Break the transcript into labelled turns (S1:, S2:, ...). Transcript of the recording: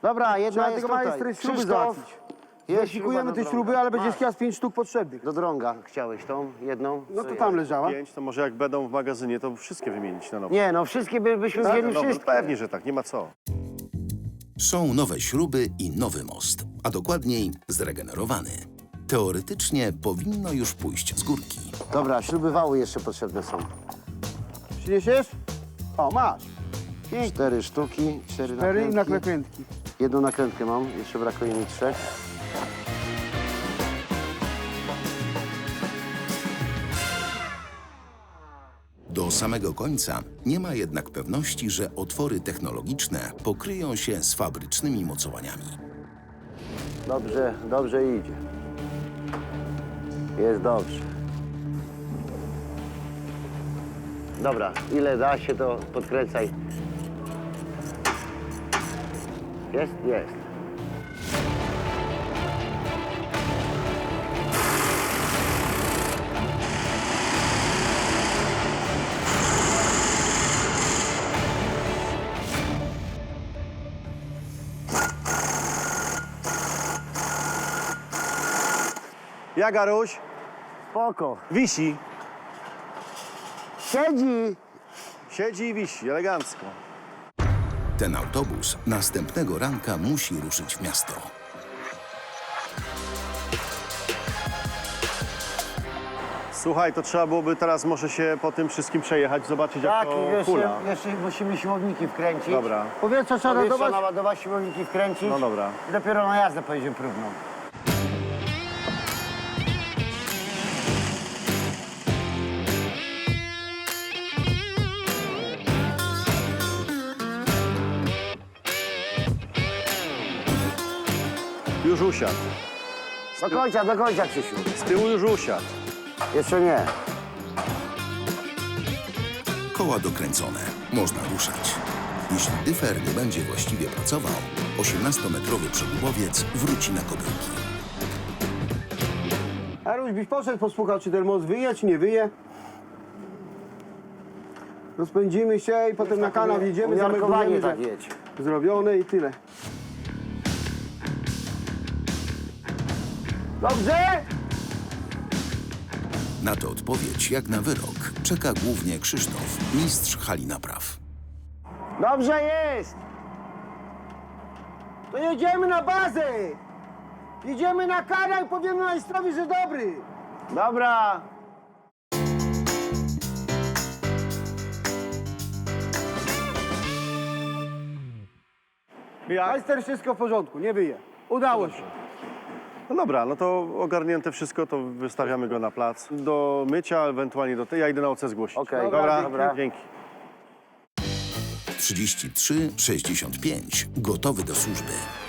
S1: Dobra, jedna
S2: Trzeba
S1: jest
S2: tego
S1: tutaj.
S2: majstry śruby
S1: Krzysztof,
S2: załatwić.
S1: jest
S2: Weźmikujemy te śruby, ale będzie chyba z 5 sztuk potrzebnych.
S1: Do drąga chciałeś tą jedną?
S2: No
S1: Co
S2: to tam
S1: jest?
S2: leżała.
S3: 5, to może jak będą w magazynie, to wszystkie wymienić na nowo.
S1: Nie, no wszystkie byśmy
S2: Tak?
S1: wzięli
S3: No,
S1: wszystkie.
S3: pewnie, że tak, nie ma co.
S4: Są nowe śruby i nowy most, a dokładniej zregenerowany. Teoretycznie powinno już pójść z górki.
S1: Dobra, śruby wały jeszcze potrzebne są.
S2: Przyniesiesz? O, masz.
S1: 4 sztuki, 4
S2: 4 i
S1: nakrętki.
S2: nakrętki.
S1: Jedną nakrętkę mam, jeszcze brakuje mi 3.
S4: Do samego końca nie ma jednak pewności, że otwory technologiczne pokryją się z fabrycznymi mocowaniami.
S1: Dobrze, dobrze idzie. Jest dobrze. Dobra, ile da się, to podkręcaj. Jest? Jest.
S3: Ja, Garuś,
S1: Spoko.
S3: wisi.
S1: Siedzi!
S3: Siedzi i wisi, elegancko.
S4: Ten autobus następnego ranka musi ruszyć w miasto.
S3: Słuchaj, to trzeba byłoby teraz może się po tym wszystkim przejechać, zobaczyć jak
S1: Tak,
S3: to
S1: jeszcze,
S3: hula.
S1: jeszcze musimy siłowniki wkręcić.
S3: Dobra,
S2: Powietrze trzeba
S1: Powietrze
S2: nadawać.
S1: naładować, siłowniki wkręcić.
S3: no dobra.
S1: I dopiero na jazdę pojedziemy próbną.
S3: Już usiadł.
S1: Do końca, Krzysiu.
S3: Z tyłu już usiadł.
S1: Jeszcze nie.
S4: Koła dokręcone, można ruszać. Jeśli dyfer nie będzie właściwie pracował, 18-metrowy przegubowiec wróci na kobyłki.
S2: Aruś, byś poszedł, posłuchał, czy ten most wyje, czy nie wyje. Rozpędzimy się i potem na kanał jedziemy,
S1: Umiarkowanie
S2: zameldujemy,
S1: tak
S2: że
S1: jedź.
S2: zrobione i tyle. Dobrze?
S4: Na tę odpowiedź, jak na wyrok, czeka głównie Krzysztof, mistrz hali napraw.
S1: Dobrze jest!
S2: To jedziemy na bazę! Jedziemy na kanał i powiemy majstrowi, że dobry!
S1: Dobra.
S3: Jak?
S2: Majster, wszystko w porządku, nie wyje. Udało się.
S3: No dobra, no to ogarnięte wszystko, to wystawiamy go na plac. Do mycia, ewentualnie do tej. Ja idę na OC zgłosić.
S1: Okej,
S3: dobra,
S1: dobra.
S3: Dzięki.
S4: 33-65, gotowy do służby.